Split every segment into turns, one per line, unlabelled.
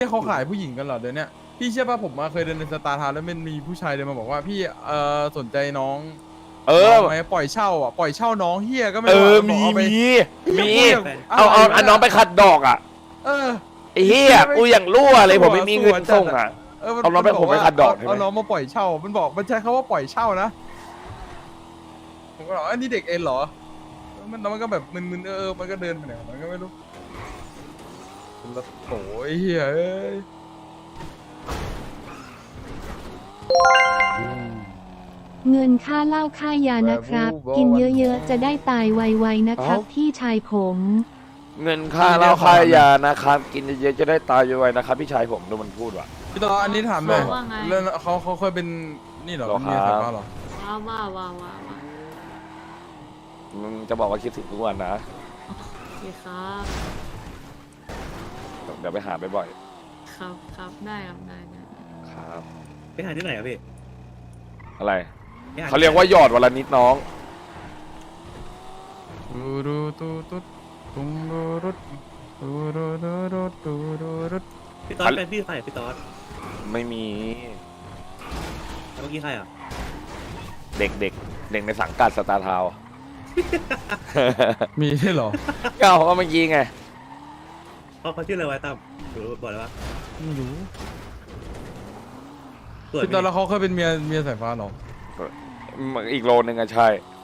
ที่เขาขายผู้หญิงกันเหรอเดี๋ยวเนี้ยพี่เชื่อป่ะผมมาเคยเดินในสตาร์ทาวน์แล้วมันมีผู้ชายเดินมาบอกว่าพี่สนใจน้องน้องไหมปล่อยเช่าอ่ะปล่อยเช่าน้องเฮียก็ไม่รู้
มี
เอาไป
มี
เอา
น้องไปขัดดอกอ่ะไอ้เหี้ยกูอย่างรั่วเลยผมไม่มีเงินส่งอ่ะเอาน้องไปผมไปขัดดอก
เอาน้องมาปล่อยเช่ามันบอกมันใช้คำว่าปล่อยเช่านะผมก็บอกอันนี้เด็กเอ็นเหรอมันก็แบบมึนๆมันก็เดินไปไหนมันก็ไม่รู้แล้วโอ้ยเฮ้ย
เงินค่าเหล้าค่ายานะครับ กินเยอะๆจะได้ตายไวๆนะครับพี่ชายผม
เงินค่าเหล้าค่ายานะครับกินเยอะๆจะได้ตายไวๆนะครับพี่ชายผมดูมันพูดว่ะ
พี่ต่ออันนี้ถามหน่อย
ว่าไง
แล้วเขาเคยเป็นนี่เหรอ
หรอครับ
เมียสายฟ้าเหรอ
ว่า
มึงจะบอกว่าคิดถึงทุกวันนะ
โอเคครับ
เดี๋ยวไปหาบ่อย
ครับได้ครับได้
ๆครับ
ไปหาที่ไหนครับพี่
อะไร
ไปห
เขาเรียกว่าหยอดวันละนิดน้อง
ตูรูตูตุดตุงรูรุดตูรูตูรุดตูรูรุด
พี่ต๊อดเป็นพี่ใครพี่ต๊อด
ไม่มี
แล้วเมื่อกี้ใครอ่ะ
เด็กในสังกัดสตาร์ทาวน์
มีใช่เหรอ
ก็เอาเมื่อกี้ไง
เขาชื่ออะไรไว้ตั้มรู้บอกเลยว่า
ไม่รู้
สวย
พี่
ไหม
ต่อแล้วเขาเคยเป็นเมียสายฟ้าเหรอ
อีกโลนึงอะใช่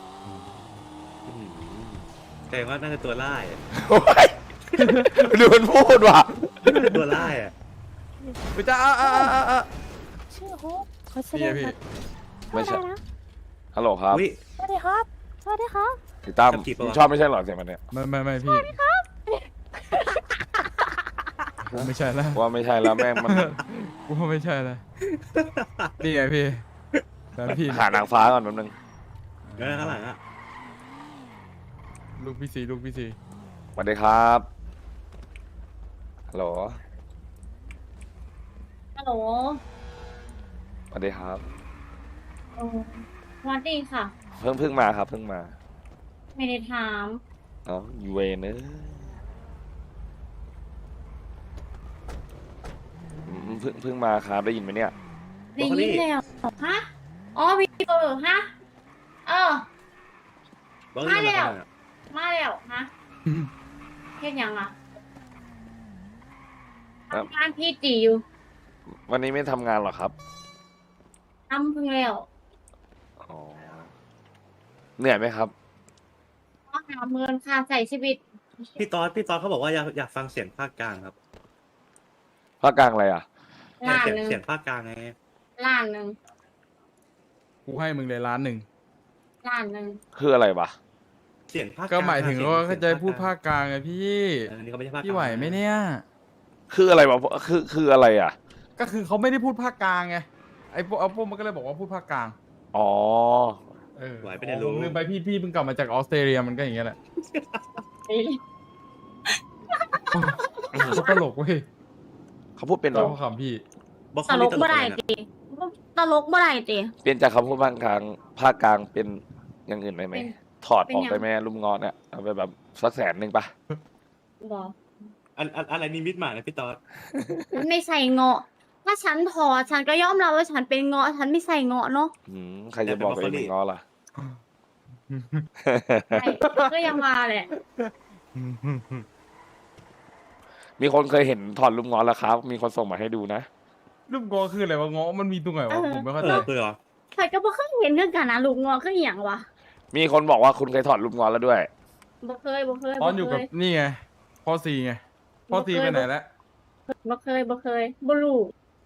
แต่ว่าน่าจะตัวล่ายอะ
โอ้ยดูมันพูดว่ะ
น่าจะตัวล่ายอ่ะ
ไปจ้า
ชื่อฮุกเขาแสด
พี่
ง
พี่
แบบ
ไม่ใช่
เข้าได้นะ
ฮัลโหลครับ
อุ้ย
สวัสดีครับ สวัสดีครับ
พี่ตั้ม
ขับขี่ปะวะ
ชอบไม่ใช่เหรอเสียงมันเนี่ย
ไม่พี่ผมไม่ใช่แล้ว
ว่าไม่ใช่แล้วแม่งมัน
กูว่าไม่ใช่แล้วนี่ไงพี่แฟนพี่
หานางฟ้าก่อนแป๊บนึง
แล้วข้างหลังอ่ะ
ลูกพี่สี
สวัสดีครับฮัลโหล
ฮัลโหล
สวัสดีครับ
โอ้สวัสดีค่ะ
เพิ่งมาครับเพิ่งมา
ไม่ได้ถาม
เอ้ายูเวนเนอะเพิ่งมาครับได้ยินไหมเนี่ย
ได้ยินแล้วฮะ อ๋อพี่ฮะ เออ
บอกเลยว่า
มาแล้วฮะเฮ็ดยังอ่ะ
ครับ
ทำงานพี่จีอยู่
วันนี้ไม่ทำงานหรอครับ
ทำเพิ่งแล้ว
อ๋อเหนื่อยไหมครับ
ต้องหาเงินค่าใช้ชีวิต
พี่ต๊อดเขาบอกว่าอยากฟังเสียงภาคกลางครับ
ภาคกลางอะไรอ่ะ
ล้าน
เสียง
หนึ่ง
เสียงภาคกลางไง
ล้านหนึ่ง
กูให้มึงเลย1,000,000
ล้านหนึ่ง
คืออะไรวะ
เสียงภาคกลาง
ก็หมายถึงว่าเขาจะพูดภาค
ก
กลางไงพี่
อันนี้เขาไม่ใช่ภาคกลาง
พี่ไหวไหมเนี่ย
คืออะไรวะคืออะไรอ่ะ
ก็คือเขาไม่ได้พูดภาคกลางไงไอ้พวกมันก็เลยบอกว่าพูดภาคกลาง
อ๋อ
ไหวไปไหน
ผ
รู้
มลืมไปพี่เพิ่งกลับมาจากออสเตรเลียมันก็อย่างเงี้ยแหละเขาตลกเว้ย
เขาพูดเป็นเหร
เรา
อ
ขำพี่
บอก
ต
เขา
ล
นี่
ก
ตล
บ่
ก
ได้
อะไรนะ
ตีตลกบ่ได้ตี
เปลี่ยนจากคำพูดภาคกลางเป็นอย่างอื่นได้ไหม
เป็น
ถอดออก
เป็นยัง
ได้ไหมลุมงอเนี่ยเอาไปแบบสัก100,000ปะ
บอก
อะไรนิมิตหมายนะพี่ต๊อด
มันไม่ใส่เงาะ ถ้าฉันถอดฉันก็ยอมรับว่าฉันเป็นเงาะ ฉันไม่ใส่เงาะเนาะ
ใครจะบอกตัวเองเป็นงอล่ะ
ใช่ก็ยังมาแหละ
มีคนเคยเห็นถอดลุมงอแล้วครับ มีคนส่งมาให้ดูนะ
รูปงอคืออะไรวะงอมันมีตรงไหนวะผมไม่เข้า
เอ
ใจ
อคือเหรอ
ข่อยก็บ่เคยเห็นเรื่องกันนะลูกเงาะคืออหย่างวะ
มีคนบอกว่าคุณเคยถอดลุมงอแล้วด้วย
บ่เคย
ตอนอยู่กับนี่ไงพ่อซีไงพ่อซีไปไหนแล้ว
บ่เคยบ่รู้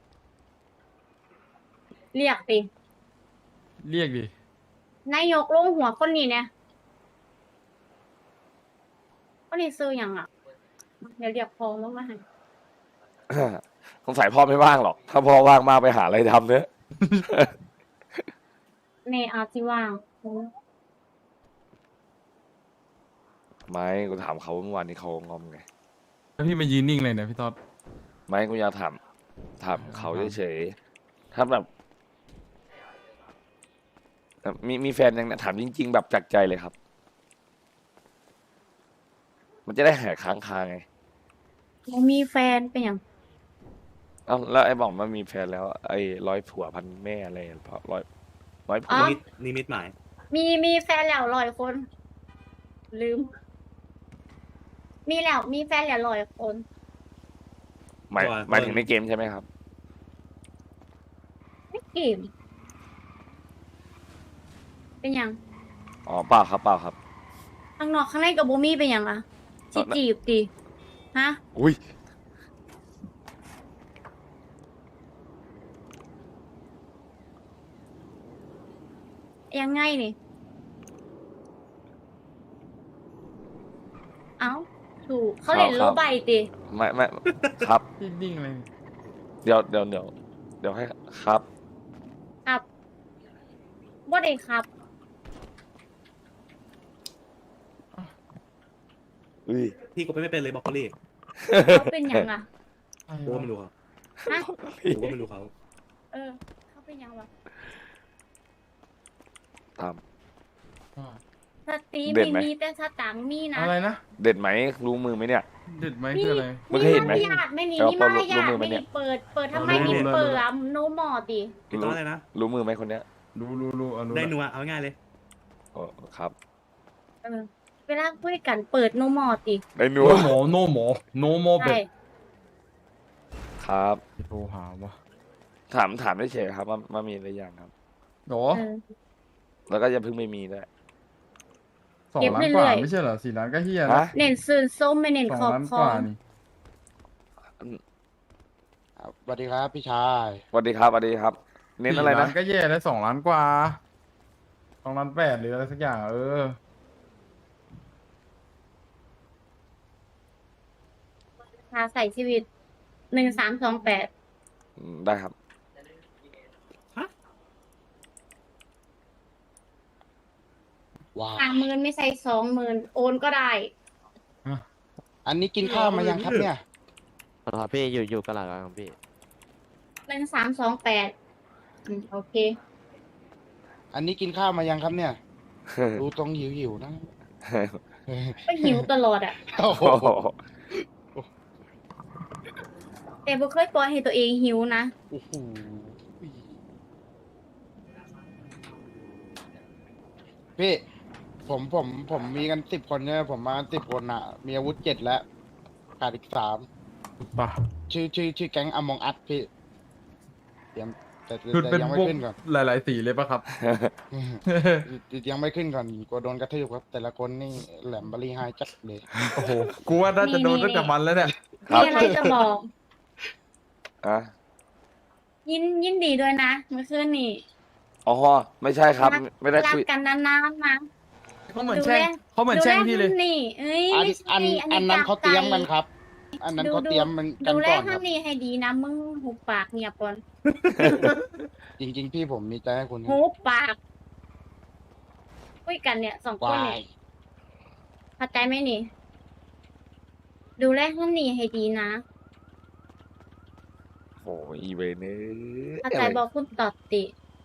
เรียกติ
เรียกดิ
นายกลงหัวคนนี้เนี่ยคนนี้ซื้อหยังอ่ะ เดี๋ยวเรียกพอลงมาให้
สงสัยพ่อไม่ว่างหรอก ถ้าพ่อว่างมากไปหาอะไรทำเนอะ
ในอาจิว่าง
ไม่กูถามเขาเมื่อวานนี้เขางอมไง
แล้วพี่มายืนนิ่งเลยเนี่ยพี่ต๊อด
ไม่กูอยากถามเขาเฉยๆถ้าแบบมีแฟนยังเนี่ยถามจริง ๆ แบบจากใจเลยครับ มันจะได้หายค้างคาไง
บ่มีแฟนเป็นหยัง
เอ้าแล้วไอ้บอกมันมีแฟนแล้ว ไอ้ร้อยผัวพันแม่อะไรเพราะร้อยผั
อ๋
ว
อ
นิมิตหมาย
มีแฟนแล้ว100 คน ลืม มีแฟนแล้ว100 คน
หมายถึงในเกมใช่ไหมครับ
ไม่เกมเป็นหยัง
อ๋อเปล่าครับเปล่าครับ
ข้างนอกข้างในกับบูมี่เป็นหยังอะสิจีบดิฮะ
อุ้ย
ยังไงนี่ เอ้า ถูกเขาเล่น
ครับ
โลใบดิ
ไม่ครับ
นิ่งๆเลย
เดี๋ยวให้ครับ
ครับบ่ได้ครับ
อุ้ย
พี่ก็ไม่เป็นเลยบอกเขาเลย
เขาเป็นหยังอะ
กูก็ไม่รู้เขา
ฮะ
กูก็ไม่รู้เขา
เออ เขาเป็นหยังวะ
ตาม
สตรี
เด็ด
มี
ไหม
มีแต่สตังค์มีนะ
อะไรนะ
เด็ดไหมรู้มือไหมเนี่ย
เด็ดไหม
มี
คืออะไร
มึงเคยเห็นไหม
มารยาทไม่นี่
แต่ว่า
มีมารยา
รู้
ท
มือไหม
ไม่
เนี่
นี่
ย
เปิดทำไม
รู้
นี่
เลย
เปิดอะโนมอดิ
พี่ต้ออะไรนะ
รู้มือไหมคนเนี้ย
รู้อ่ะรู้
ได้
ละ
นัวเอาง่ายเลย
โอ้ครับ
เออ เวลาคุยกันเปิดโนมอดิ
ได้นั
โน
ว
หมอโนหมอโนโมเบ็
ใช่
ด
ครับ
โทรหาวะ
ถามได้เฉยๆครับว่ามีหรือยังครับ
หรอ
เออ
แล้วก็อย่าเพิ่งไม่มีด้วย
2
เก็บ
ล้าน
เรื่
กว่า
อยๆ
ไม่ใช่เหรอ4 ล้านก็เฮีย
ฮะ
นะ
เน้นซื่นส้มไม่เน้น
2
ขอบ
ล้าน
ค
ก
อ
ว่านี่
สวัสดีครับพี่ชาย
สวัสดีครับสวัสดีครับ เน้นอะไร
4 ล้า
นะ
นก็แย่แล้ว2 ล้านกว่า2.8 ล้านหรืออะไรสักอย่างเออ
พาใส่ชีวิต1328
ได้ครับ
ว้าว
30,000ไม่ใส่20,000โอนก็ได้
อันนี้กินข้าวมายังครับเนี่ย
ครับพี่อยู่กันหลังครับพี่
1328โอเค
อันนี้กินข้าวมายังครับเนี่ย ดูตรงหิวๆนะ
ก็หิวตลอดอะ
โอ้โห
โอ้โห
แต่บ่เคยปล่อยให้ตัวเองหิวนะ
โอ้โหพี่ผมมีกัน10 คนใช่ไหมผมมากัน10 คนอ่ะ มีอาวุธ7แล้วขาดอีก3
ป่ะ
ชื่อแก๊งอมองอัดพี่เตรียมแต่
คือเป็น
ยังไม่
พวก
ขึ้นก่อน
หลายๆสีเลยป่ะครับ
ยังไม่ขึ้นก่อนกลัวโดนกระทืบครับ แต่ละคนนี่แหลมบารีไฮจัดเลย
โอ้โห กูว่าน่าจะโดนตั้งแต่มันแล้วเนี่ย
ครั
มี
บ
อะไรจะบอก
อ่ะ
ยินดีด้วยนะเมื่อคืนนี้
อ๋อไม่ใช่ครับ ไม่ได้
รัก
คุย
กันนานๆนะ
เขาเหมือนแช่งเขาเหมือนแช่งพี่เลย
ดูแนี่เอ้ย
อัน
ไม่ใช่
อันนั้นเขาเตรียมกันครับ อันนั้นเขาเตรียมมันกัน
ดูแล
ก่อนค
ท่า
รั
น
บ
นี่ให้ดีนะมึงหุบปากเงียบก่อน
จริง ๆ พี่ผมมีใจให้คุณ
หุบปากคุยกันเนี่ย2 คน
วา
เนี่ย
ย
เข้าใจไหมนี่ ดูแลท่านนี่ให้ดีนะ
โอ้อีเวนเนอ
เข้าใจบอกคุณตอดติ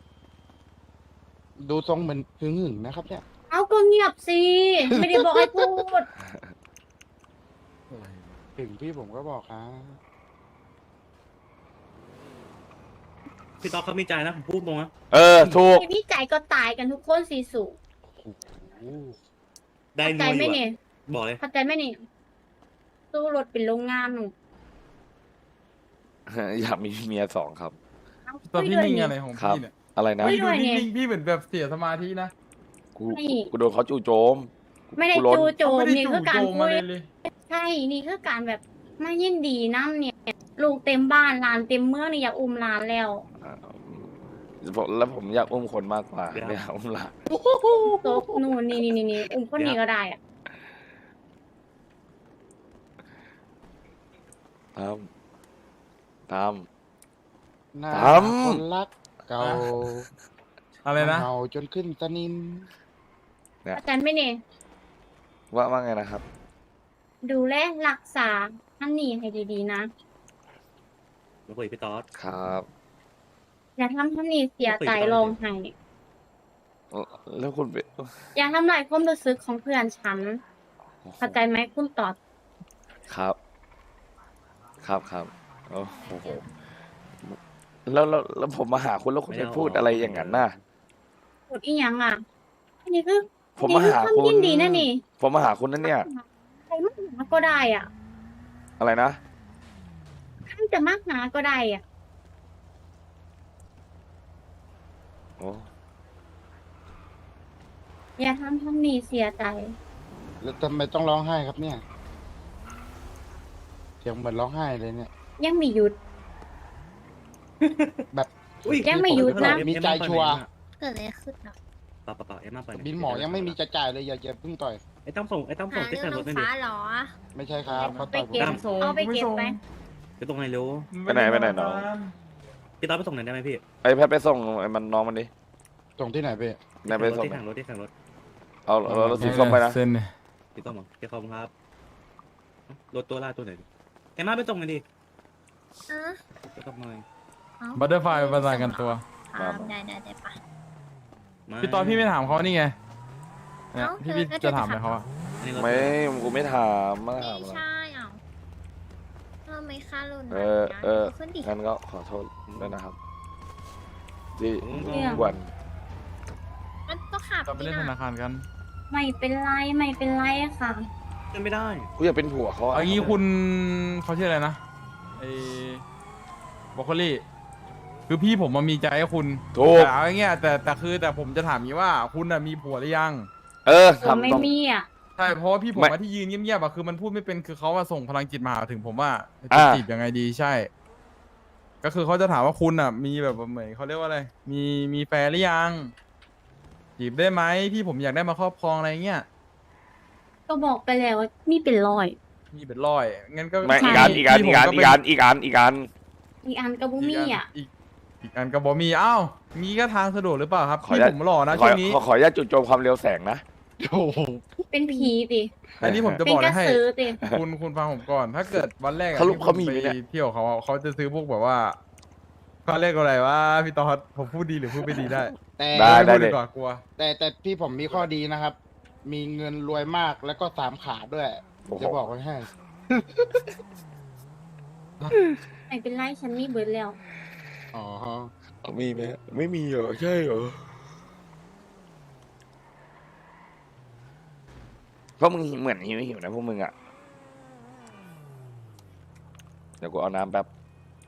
ดูทรงเหมือนหึงๆนะครับเนี่ย
เอาก็เงียบสิ ไม่ได้บอกให้พูด
ถึงพี่ผมก็บอกครับ
พี่ต๊อกเขามีใจนะผมพูดตรงนะ
ถูก
ที่พี่ใจก็ตายกันทุกคนสีสู
โอ้โห
ได้
เข้าใจ
นัว
ไหม
อยู่
นี่
อะบอกเลย
เข้าใจไหมนี่สู้รถเป็นโรงงานหนู
อยากมีเมีย2ครับ
เอา
ตอน
คุย
พี่
ด้วย
นิ่ง
นี่
อะไรของ
ครับ
พี่เนี่ย
อะไรนะ
ไม่
พี่ดู
ด้วยเนี่ย
นิ่งๆพี่เหมือนแบบเสียสมาธินะ
กู
ไม่
กูโดนเขาจู่โจม
ไม่ได้
กูล้น
จูโจม
ไม่ได้
นี่
จู่
คือการ
โจม
คุ
มาย เลย
ใช่ นี่คือการแบบมายินดีน้ำเนี่ย ลูกเต็มบ้านหลานเต็มเมืองนี่อยากอุ้มหลานแล้ว
อ่าแล้วผมอยากอุ้มคนมากกว่าไม่อยากอุ้มหลาน
โตกนู่นนี่อุ้มคนนี้ก็ได้อะ
ตาม
หน้า
ตาม
คนรักเก่า
อะไรนะ
เห่าจนขึ้นสนิม
เข้าใจไหมนี่
ว่าไงนะครับ
ดูแลรักษาท่านนี่ให้ดีๆนะ
มาคุยกับพี่ต๊อก
ครับ
อย่าทำท่านนี่เสียใจร้องไห้
แล้วคุณไป
อย่าทำลายความรู้สึกของเพื่อนฉัน เข้าใจไหมคุณตอด
ครับ ครับโอ้โหแล้วผมมาหาคุณแล้วคุณไปพูดอะไรอย่างนั้นน่ะ
กดอีหยังอ่ะอันนี้คือ
ผมมาหา
อัน
คุ
นี้
ณ
คือความยินดีนะนี่
ผมมาหาคุณนั่นเนี่ย
ใครมากหาก็ได้อ่ะ
อะไรนะ
ใครจะมากหาก็ได้อ่ะ
โอ้
อย่าทำนี่เสียใจ
แล้วทำไมต้องร้องไห้ครับเนี่ยเสียงเหมือนร้องไห้เลยเนี่ย
ยังไม่หยุด
แบบ
อุ้ย
ยังไม่หยุดนะ
มีใจชัวร์
เกิดอะไรขึ้นอ่ะ
เปล่าเอ็มมาเปิด
บินหมอยังไม่มีจะจ่ายเลยอย่าเพิ่งต่อย
ไอ้ตั้มส่งที่แต่รถไม่ดิ
ไม่ใช่ครับเขาต่อยผม
ไปเก็บ เอาไปเก็บไป
ไปตรงไหนเร็ว
ไปไหนน้อง
พี่ต๊อบไปส่งไหนได้ไหมพี่
ไอ้แพทไปส่งไอ้มันน้องมันดิ
ส่งที่ไหนพี่
ไหนไปส่ง
ที่ถังรถที่ถังรถ
เอารถสีส้มไปนะ
เส้นเนี่ย
พี่ต้อมเหรอพี่ขอบคุณครับรถตัวล่าตัวไหนเอ็มมาไปส่งหน่อยดิไปส่งหน่อย
บัตเตอร์ไฟประสานกันตัว
ได้ปะ
พี่ตอนพี่ไม่ถามเขานี่ไงเนี่ยพี่จะถามอะไรเขาอะ
อันนี้รถ
ไม่กูไม่ถามมาถามอะไร
อ่ะไม่ค่ารุ่น
งั้นก็ขอโทษด้วยนะครับที่กวน
มันต้องขับ
เราไปเล่นธนาคารกัน
ไม่เป็นไรไม่เป็นไรอะค่ะ
ขึ้นไม่ได้
กูอยากเป็นผัวเขาอะ
เอางี้คุณเขาชื่ออะไรนะไอ้บรอกโคลี่คือพี่ผมมามีใจให้คุณ
ถูก
แต่เอาอย่างเงี้ยแต่ผมจะถามงี้ว่าคุณน่ะมีผัวหรือยัง
ผมไม่
ทำต้อง
มีอ่ะ
ใช่เพราะว่าพี่ผม
ไม่
มาที่ยืนเงียบๆอะคือมันพูดไม่เป็นคือเขาว่าส่งพลังจิตมาหาถึงผมว่า
อ่า
จะจีบยังไงดีใช่ ก็คือเขาจะถามว่าคุณอ่ะ มีแบบเหมือนเขาเรียกว่าอะไรมีแฟนหรือยังจีบได้ไหมพี่ผมอยากได้มาครอบครองอะไรเงี้ย
ก็บอกไปแล้วว่ามีเป็นร้อย
มีเป็นร้อยงั้นก็
ไม่
พี่
อีกอัน
พี่ผมเป็น
อีกอันกับบุมี่อ่ะ
อีกอันก็บอมีอ้าวมีก็ทางสะดวกหรือเปล่าครับ
ขอ
พี่
อนุญาต
ผมหล่อนะ
ขอ
ช่วงนี้
ขออนุญาตจู่โจมความเร็วแสงนะ
โอ้โห
เป็นผีติ
อันนี้ผมจะ
เป็
บ
น
อก
กระ
ให้
สือติ
คุณฟังผมก่อน ถ้าเกิดวันแรกอะ
เขารู้
ที่
เขามี
คุณ
ไหม
ไป
เนี่ย
เที่ยวเขาอะเขาจะซื้อพวกแบบว่าเขาเรียกอะไรว่าพี่ตอดผมพูดดีหรือพูดไม่ดีได้
แต่
ได้
ม่พู
เลย
กว่ากลัว
แต่พี่ผมมีข้อดีนะครับ มีเงินรวยมากแล้วก็3 ขาด้วย
โอ้โห
จะบอกไว้ให้
ไม่เป็นไรฉันมีเบิร์ดแล้ว
อ๋อ
มีไหมไม่มีเหรอใช่เหรอเพราะมึงเหมือนหิวนะพวกมึงอ่ะเดี๋ยวกูเอาน้ำแป๊บ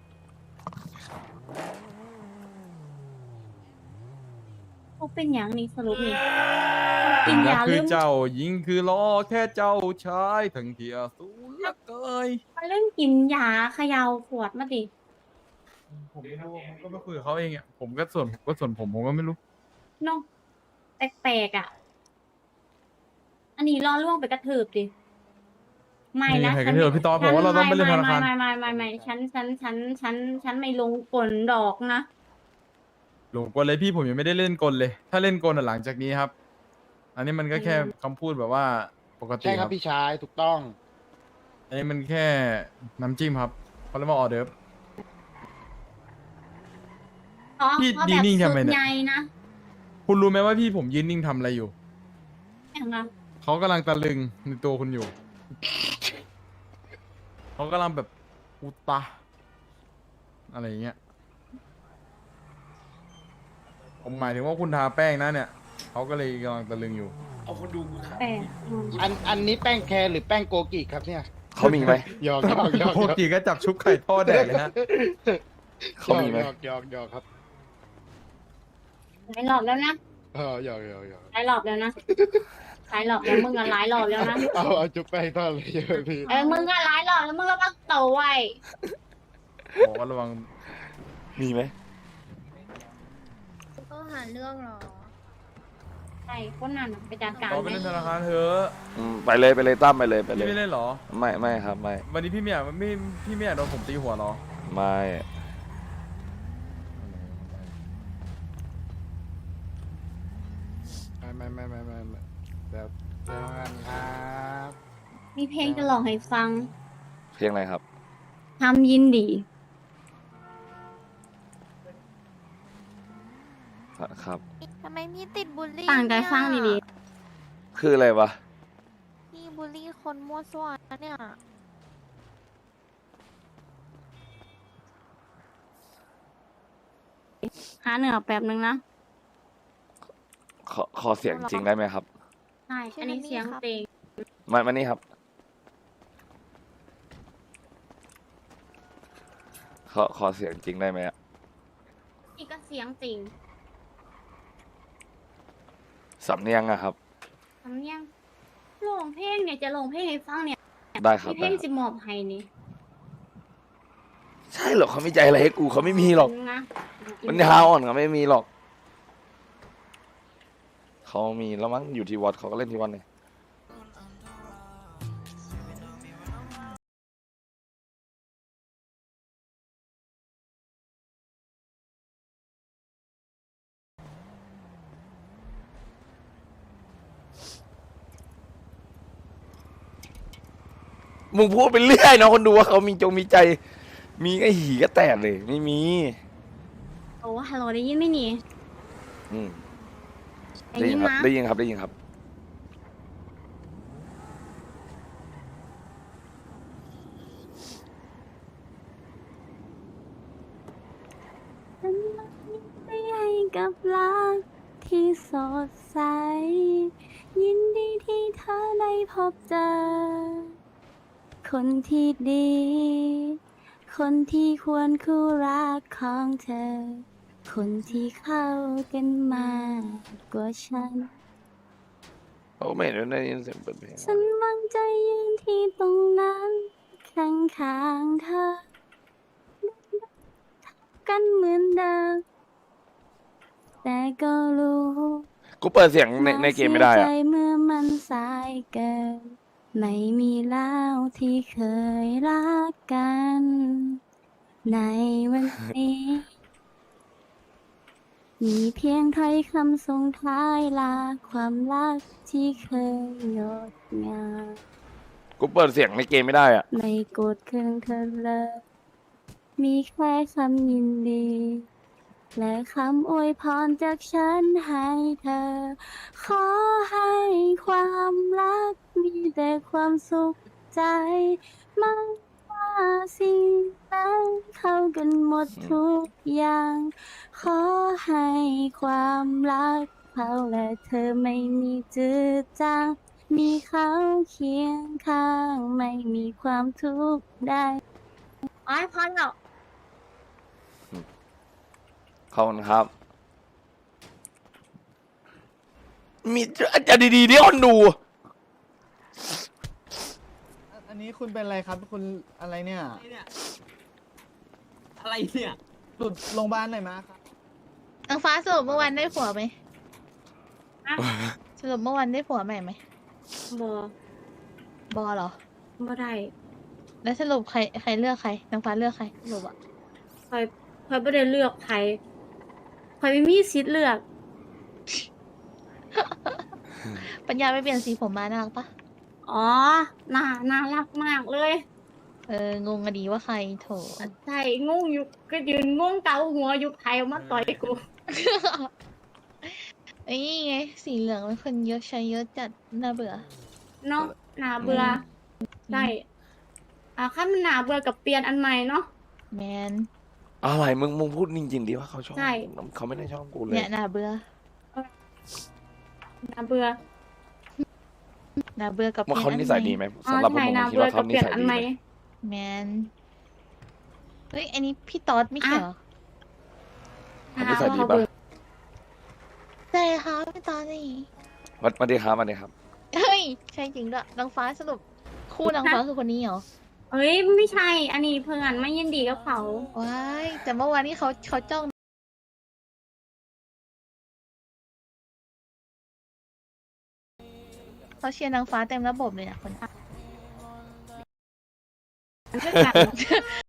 เขาเป็นอย่างนี้สรุปนี่
เป็
กิ
น
น
ยั
ยาก
คื
ลื
อ
ม
เจ้ายิงคือล้อแค่เจ้าชายทั้งที่อสูรละเกย
มาเล่นกินยาเขยาวขวดมาดิ
ผมไม่รู้ผมก็ไปคุยกับเขาเองอ่ะผมก็ส่วนผมก็ไม่รู้
เนาะแปลกๆอ่ะ อันนี้ล่อล่วงไปกระถืบดิไม่นะ
ใครกันเถอะพี่ตอผมว่าเราต้องไปเล่นธนาคาร
ไม่ฉันไม่ลงกลดอกนะ
หลงกลเลยพี่ผมยังไม่ได้เล่นกลเลย ถ้าเล่นกลอ่ะหลังจากนี้ครับ อันนี้มันก็แค่คำพูดแบบว่าปกติ
ใช่ค
ค
รั
รั
บบ พี่ชายถูกต้อง
อันนี้มันแค่น้ำจิ้มครับเขาเรียกว่าออเดิร์ฟ
เพราะ
พี่
เพราะ
ดี
แบบ
นิ่ง
สุ
ทำไม
ด
เนี่ย
ใหญ่นะ
คุณรู้ไหมว่าพี่ผมยืนนิ่งทำอะไรอยู่
อย่างนั้น
เขากำลังตะลึงในตัวคุณอยู่ เขากำลังแบบอุตะอะไรอย่างเงี้ย ผมหมายถึงว่าคุณทาแป้งนะเนี่ย เขาก็เลยกำลังตะลึงอยู่
แปลกอืม
อันนี้แป้งแคร์หรือแป้งโกกิครับเนี่ย
เขามีไหม
หยอกหยอก
โคจีก็จับชุบไข่ทอดแดดเลยฮะ
เขามีไหม
หยอกครับ
หลายรอบแล้วนะ
หยอก
หลายรอบแล้วนะหลายรอบแล้วมึงอะหลายรอบแล้วนะ
เอาจุ๊บแป้งทอดเลยเยอะพี่
มึงอะหลายรอบแล้วมึงระวังโตวไว้
บอกว่าระวัง
มีไหม
ก็หาเรื่องหรอใช่คนนั้นน่ะไปจัดการ
เราไป
ไหม
เล่นธนาคารเถอะ
ไปเลยตั้มไปเลยไปเล
พี่
ย
ไม่เล่นเหรอ
ไม่ครับไม่
วันนี้พี่ไม่อยากโดนผมตีหัวเหรอ
ไม่
ไม่แบบเดี๋ยวกันครับ
มีเพลงจะร้องให้ฟัง
เพียงอะไรครับ
ทำยินดี
ครับ
ทำไมพี่ติดบูลลี่
ต่างใจฟังดี
คืออะไรวะ
พี่บูลลี่คนมั่วซั่วเนี่ย
หาเหนือแป๊บนึงนะ
ขอเสียงจริงได้ไหมครับ
ใช่อันนี้เสียงเตง
มานี่ครับ ขอเสียงจริงได้ไหมอะ
นี่ก็เสียงจริง
สำเนียงอะครับ
สำเนียงร้องเพลงเนี่ยจะร้องเพลงให้ฟังเนี่ย
ได้ครับ
มีเพล
ได้
ง
ครับ
สิมอบให้นี่
ใช่เหรอเขาไม่ใจอะไรให้กูเขาไม่มีหรอก
นะ
มันยาวอ่อนเขาไม่มีหรอก เขามีแล้วมั้งอยู่ที่วัดเขาก็เล่นที่วัดเลยมึงพูดไปเรื่อยเนาะคนดูว่าเขามีใจ มีไอ้หีก็แตกเลย ไม่มี
โอ้ฮัลโหลได้ยินไหมนี่
อืม
ได้
ได้
ยิ
ยิ
น
นครับ
นะ
ได้ยินครับได้ยินครับ
ฉันไม่ได้กับรักที่สดใส ยินดีที่เธอได้พบเจอ คนที่ดี คนที่ควรคู่รักของเธอ คนที่เข้ากันมากกว่าฉัน
เขาไม่เห็นได้ยินเสียงเปิดเพลง
ฉันหวังใจยืนที่ตรงนั้นข้างๆเธอ กันเหมือนเดิม แต่ก็รู้
กูเปิดเสียงในเกมไม่ได้
น่า
อะ
เสียใจเมื่อมันสายเกิน ไม่มีแล้วที่เคยรักกัน ในวันนี้ มีเพียงถ้อยคำส่งท้ายลาความรักที่เคยงดงาม
กูเปิดเสียงในเกมไม่ได้อะ
ไม่โกรธเคืองเธอเลย มีแค่คำยินดี และคำอวยพรจากฉันให้เธอ ขอให้ความรักมีแต่ความสุขใจไม่ว่าสิ่งใดเข้ากันหมดทุกอย่าง ขอให้ความรักเขาและเธอไม่มีจืดจาง มีเขาเคียงข้างไม่มีความทุกข์ใดอ๋อพอแล้ว
ขอบคุณครับ มีจะดีๆที่คนดู
อันนี้คุณเป็นอะไรครับ คุณอะไรเนี่ย
อะไรเนี่ย
หลุดโรงพยาบาลไหนมาครับ
นางฟ้าสรุปเมื่อวานได้ผัวไหมสรุปเมื่อวานได้ผัวใหม่ไหม
บอบ
อเหรอ
บ่ได้
แล้วสรุปใครเลือกใครนางฟ้าเลือกใครสรุปอะ
คอยบ่ได้เลือกใครคอยไม่มีสิทธิ์เลือก
ปัญญาไปเปลี่ยนสีผมมาน่ารักปะ
อ๋อ น่ารักมากเลย
งงอะดีว่าใครโถ
ใช่งงอยู่ก็ยืนงงเกาหัวอยู่ใครเอามาต่อยกู
ไอ้นี่ไงสีเหลืองเป็นคนเยอะใช้เยอะจัดน่าเบื่อ
เนาะน่าเบื่อใช่ขั้นมันน่าเบื่อกับเปลี่ยนอันใหม่เนาะ
แมน
อะไรมึงพูดจริงๆดิว่าเขาชอบ
ใช่
เขาไม่ได้ชอบกูเลย
เนี่ยน่าเบื่อ
น่าเบื่อ
น่าเบื่อกับ
ว่าเขา
ปลี่
นิ
ยน
สั
อั
ย
น
ดี
ใหม่
ไหม
อ๋อ
สำหรับผม
ใช่
ผม
น่า
คิด
เบื่อ
ว่า
กับ
เขา
เป
นิ
ลี่ยน
สัย
อัน
ดี
ใหม่
ไหม
แมนเฮ้ยอันนี้พี่ต๊อดไม่ใช่เหรอ
เขานิสัยดี
เขา
ปะ
เบื่อ
ใช่ค่ะพี่ต๊อดนี่
มาดีครับมาดีครับ
เฮ้ยใช่จริงด้วยนางฟ้าสรุปคู่นางฟ้าคือคนนี้เหรอ
เอ้ยไม่ใช่ อันนี้เพื่อนไม่ยินดีกับเขา
ว้ายแต่เมื่อวานนี้เขาจ้องเขาเชียร์นางฟ้าเต็มระบบเลยนะคนนั้น
ด้วยกัน